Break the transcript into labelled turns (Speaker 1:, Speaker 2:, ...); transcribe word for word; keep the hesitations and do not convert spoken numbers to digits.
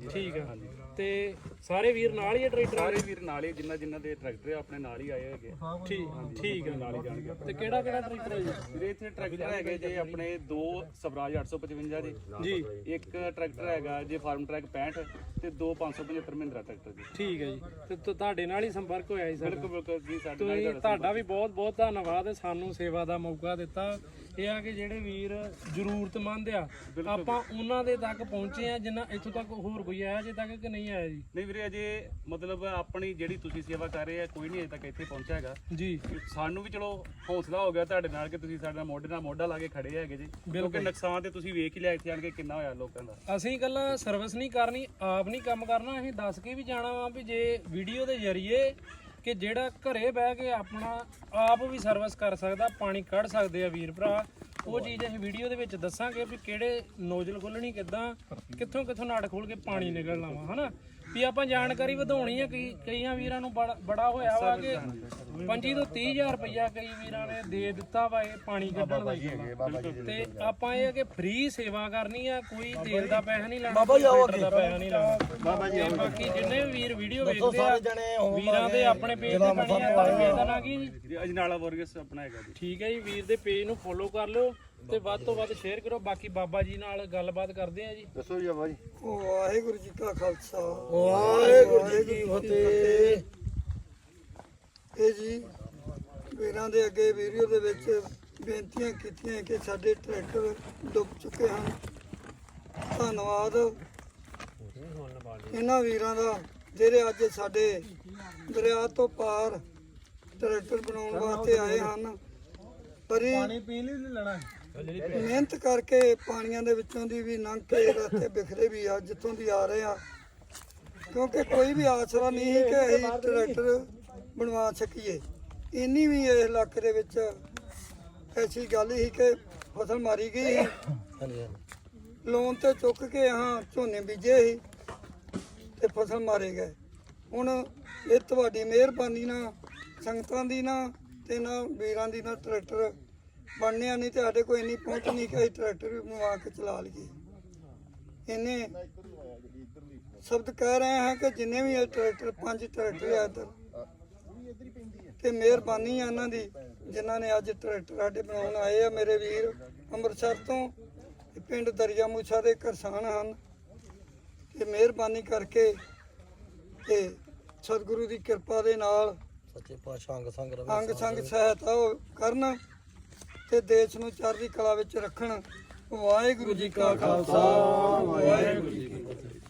Speaker 1: ਠੀਕ ਆ ਤੇ ਸਾਰੇ ਵੀਰ ਨਾਲ ਹੀ ਟਰੈਕਟਰ
Speaker 2: ਸਾਰੇ ਵੀਰ ਨਾਲ ਹੀ ਜਿੰਨਾ ਜਿੰਨਾ ਦੇ ਟਰੈਕਟਰ ਆਪਣੇ ਨਾਲ ਹੀ ਆਏ ਹੈਗੇ
Speaker 1: ਠੀਕ ਠੀਕ ਆ
Speaker 2: ਨਾਲ ਹੀ ਜਾਣਗੇ
Speaker 1: ਤੇ ਕਿਹੜਾ ਕਿਹੜਾ ਟਰੈਕਟਰ ਹੈ ਜੀ
Speaker 2: ਵੀਰੇ ਇੱਥੇ ਟਰੈਕਟਰ ਹੈਗੇ ਜੇ ਆਪਣੇ ਦੋ ਸਵਰਾਜ ਅੱਠ ਸੌ ਪਚਵੰਜਾ ਜੀ
Speaker 1: ਜੀ
Speaker 2: ਇੱਕ ਟਰੈਕਟਰ ਹੈਗਾ ਜੇ ਫਾਰਮ ਟਰੈਕ ਪੈਂਹਠ ਤੇ ਦੋ ਪੰਜ ਸੌ ਪਝੱਤਰ ਮਹਿੰਦਰਾ ਟਰੈਕਟਰ ਜੀ
Speaker 1: ਠੀਕ ਹੈ ਜੀ ਤੇ ਤੁ- ਤੁਹਾਡੇ ਨਾਲ ਹੀ ਸੰਪਰਕ ਹੋਇਆ ਜੀ ਸਾਡਾ
Speaker 2: ਬਿਲਕੁਲ ਬਿਲਕੁਲ ਜੀ ਸਾਡੇ ਨਾਲ ਹੀ
Speaker 1: ਤੁਸੀਂ ਤੁਹਾਡਾ ਵੀ ਬਹੁਤ ਬਹੁਤ ਧੰਨਵਾਦ ਸਾਨੂੰ ਸੇਵਾ ਦਾ ਮੌਕਾ ਦਿੱਤਾ ਇਹ ਆ ਕਿ ਜਿਹੜੇ ਵੀਰ ਜ਼ਰੂਰਤਮੰਦ ਆ ਆਪਾਂ ਉਹਨਾਂ ਦੇ ਤੱਕ ਪਹੁੰਚੇ ਆ ਜਿੰਨਾ ਇੱਥੋਂ ਤੱਕ ਹੋਰ ਕੋਈ ਆਇਆ ਜੇ ਤੱਕ ਕਿ ਨਹੀਂ ਆਇਆ ਜੀ
Speaker 2: ਨਹੀਂ ਵੀਰੇ ਅਜੇ ਮਤਲਬ ਆਪਣੀ ਜਿਹੜੀ ਤੁਸੀਂ ਸੇਵਾ ਕਰ ਰਹੇ ਆ ਕੋਈ ਨਹੀਂ ਅਜੇ ਤੱਕ ਇੱਥੇ ਪਹੁੰਚਿਆ ਹੈਗਾ
Speaker 1: ਜੀ
Speaker 2: ਸਾਨੂੰ ਵੀ ਚਲੋ ਹੌਸਲਾ ਹੋ ਗਿਆ ਤੁਹਾਡੇ ਨਾਲ ਕਿ ਤੁਸੀਂ ਸਾਡੇ ਨਾਲ ਮੋਢੇ ਨਾਲ ਮੋਢਾ ਲਾ ਕੇ ਖੜੇ ਹੈਗੇ ਜੀ ਕਿਉਂਕਿ ਨੁਕਸਾਨ ਤੇ ਤੁਸੀਂ ਵੇਖ ਹੀ ਲਿਆ ਇੱਥੇ ਆਣ ਕੇ ਕਿੰਨਾ ਹੋਇਆ ਲੋਕਾਂ ਦਾ
Speaker 1: ਅਸੀਂ ਇਕੱਲਾ ਸਰਵਿਸ ਨਹੀਂ ਕਰਨੀ ਆਪ ਨਹੀਂ ਕੰਮ ਕਰਨਾ ਅਸੀਂ ਦੱਸ ਕੇ ਵੀ ਜਾਣਾ ਵਾ ਵੀ ਜੇ ਵੀਡੀਓ ਦੇ ਜ਼ਰੀਏ ਕਿ ਜਿਹੜਾ ਘਰੇ ਬਹਿ ਕੇ ਆਪਣਾ ਆਪ ਵੀ ਸਰਵਿਸ ਕਰ ਸਕਦਾ ਪਾਣੀ ਕੱਢ ਸਕਦੇ ਆ ਵੀਰ ਭਰਾ ਉਹ ਚੀਜ਼ ਅਸੀਂ ਵੀਡੀਓ ਦੇ ਵਿੱਚ ਦੱਸਾਂਗੇ ਵੀ ਕਿਹੜੇ ਨੋਜ਼ਲ ਖੋਲਣੀ ਕਿੱਦਾਂ ਕਿੱਥੋਂ ਕਿੱਥੋਂ ਨਾੜ ਖੋਲ ਕੇ ਪਾਣੀ ਨਿਕਲਣਾ ਵਾ ਹਨਾ ਵੀ ਆਪਾਂ ਜਾਣਕਾਰੀ ਵਧਾਉਣੀ ਆ ਕਈ ਕਈਆਂ ਵੀਰਾਂ ਨੂੰ ਬੜਾ ਬੜਾ ਹੋਇਆ ਵਾ ਕਿ ਪੰਜੀ ਤੋਂ ਤੀਹ ਹਜ਼ਾਰ ਰੁਪਈਆ ਕਈ ਵੀਰਾਂ ਨੇ ਦੇ ਦਿੱਤਾ ਵਾ ਇਹ ਪਾਣੀ ਕੱਢਣ ਦਾ ਤੇ ਆਪਾਂ ਇਹ ਆ ਕਿ ਫ੍ਰੀ ਸੇਵਾ ਕਰਨੀ ਆ ਕੋਈ ਤੇਲ ਦਾ ਪੈਸਾ ਨਹੀਂ ਲੈਣਾ ਬਾਬਾ ਜੀ ਆਓ ਅੱਗੇ ਦਾ ਪੈਸਾ ਨਹੀਂ ਲੈਣਾ ਬਾਬਾ ਜੀ ਬਾਕੀ ਜਿੰਨੇ ਵੀ ਵੀਰ ਵੀਡੀਓ ਵੇਖਦੇ ਆ ਵੀਰਾਂ ਦੇ ਆਪਣੇ ਪੇਜ ਤੇ ਬਣੀ ਆ ਪੇਜ ਦਾ ਨਾਂ ਕੀ ਜੀ
Speaker 2: ਅਜਨਾਲਾ ਵਰਗਸ ਆਪਣਾ ਹੈਗਾ ਜੀ
Speaker 1: ਠੀਕ ਹੈ ਜੀ ਵੀਰ ਦੇ ਪੇਜ ਨੂੰ ਫੋਲੋ ਕਰ ਲਿਓ ਤੇ ਵੱਧ ਤੋਂ ਵੱਧ ਸ਼ੇਅਰ ਕਰੋ ਬਾਕੀ ਬਾਬਾ ਜੀ ਨਾਲ ਗੱਲਬਾਤ ਕਰਦੇ ਆ ਜੀ
Speaker 3: ਦੱਸੋ ਜੀ ਬਾਬਾ ਜੀ
Speaker 4: ਵਾਹਿਗੁਰੂ ਜੀ ਕਾ ਖਾਲਸਾ ਵਾਹਿਗੁਰੂ ਜੀ ਕੀ ਫਤਿਹ ਇਹ ਜੀ ਵੀਰਾਂ ਦੇ ਅੱਗੇ ਵੀਡੀਓ ਦੇ ਵਿੱਚ ਬੇਨਤੀਆਂ ਕੀਤੀਆਂ ਕਿ ਸਾਡੇ ਟਰੈਕਟਰ ਡੁੱਬ ਚੁੱਕੇ ਹਨ ਧੰਨਵਾਦ ਇਹਨਾਂ ਵੀਰਾਂ ਦਾ ਜਿਹੜੇ ਅੱਜ ਸਾਡੇ ਦਰਿਆ ਤੋਂ ਪਾਰ ਟਰੈਕਟਰ ਬਣਾਉਣ ਵਾਸਤੇ ਆਏ ਹਨ ਪਰ ਪਾਣੀ ਪੀਣ ਲਈ ਨਹੀਂ ਲੈਣਾ ਮਿਹਨਤ ਕਰਕੇ ਪਾਣੀਆਂ ਦੇ ਵਿੱਚੋਂ ਦੀ ਵੀ ਲੰਘ ਕੇ ਰਸਤੇ ਬਿਖਰੇ ਵੀ ਆ ਜਿੱਥੋਂ ਦੀ ਆ ਰਹੇ ਆ ਕਿਉਂਕਿ ਕੋਈ ਵੀ ਆਸਰਾ ਨਹੀਂ ਸੀ ਕਿ ਅਸੀਂ ਟਰੈਕਟਰ ਬਣਵਾ ਸਕੀਏ ਇੰਨੀ ਵੀ ਇਸ ਇਲਾਕੇ ਦੇ ਵਿੱਚ ਐਸੀ ਗੱਲ ਸੀ ਕਿ ਫਸਲ ਮਾਰੀ ਗਈ ਸੀ ਲੋਨ ਤੇ ਚੁੱਕ ਕੇ ਹਾਂ ਝੋਨੇ ਬੀਜੇ ਸੀ ਤੇ ਫਸਲ ਮਾਰੇ ਗਏ ਹੁਣ ਇਹ ਤੁਹਾਡੀ ਮਿਹਰਬਾਨੀ ਨਾਲ ਸੰਗਤਾਂ ਦੀ ਨਾ ਤੇ ਨਾ ਵੀਰਾਂ ਦੀ ਨਾ ਟਰੈਕਟਰ ਬਣਨਿਆ ਨਹੀਂ ਤੇ ਸਾਡੇ ਕੋਲ ਇੰਨੀ ਪਹੁੰਚ ਨਹੀਂ ਕਿ ਅਸੀਂ ਟਰੈਕਟਰ ਵੀ ਬਣਵਾ ਕੇ ਚਲਾ ਲਈਏ ਇਹਨੇ ਸ਼ਬਦ ਕਹਿ ਰਹੇ ਹਾਂ ਕਿ ਜਿੰਨੇ ਵੀ ਇਹ ਟਰੈਕਟਰ ਪੰਜ ਟਰੈਕਟਰ ਆ ਇੱਧਰ ਤੇ ਮਿਹਰਬਾਨੀ ਆ ਇਹਨਾਂ ਦੀ ਜਿਨ੍ਹਾਂ ਨੇ ਅੱਜ ਟਰੈਕਟਰ ਸਾਡੇ ਬਣਾਉਣ ਆਏ ਆ ਮੇਰੇ ਵੀਰ ਅੰਮ੍ਰਿਤਸਰ ਤੋਂ ਪਿੰਡ ਦਰਿਆ ਮੂਸਾ ਦੇ ਕਿਸਾਨ ਹਨ ਤੇ ਮਿਹਰਬਾਨੀ ਕਰਕੇ ਤੇ ਸਤਿਗੁਰੂ ਦੀ ਕਿਰਪਾ ਦੇ ਨਾਲ
Speaker 3: ਸੱਚੇ ਪਾਤਸ਼ਾਹ ਅੰਗ ਸੰਗ ਰਵੇ
Speaker 4: ਅੰਗ ਸੰਗ ਸਹਾਇਤਾ ਉਹ ਕਰਨ ਤੇ ਦੇਸ਼ ਨੂੰ ਚੜ੍ਹਦੀ ਕਲਾ ਵਿੱਚ ਰੱਖਣ ਵਾਹਿਗੁਰੂ ਜੀ ਕਾ ਖਾਲਸਾ ਵਾਹਿਗੁਰੂ ਜੀ ਕੀ ਫਤਿਹ।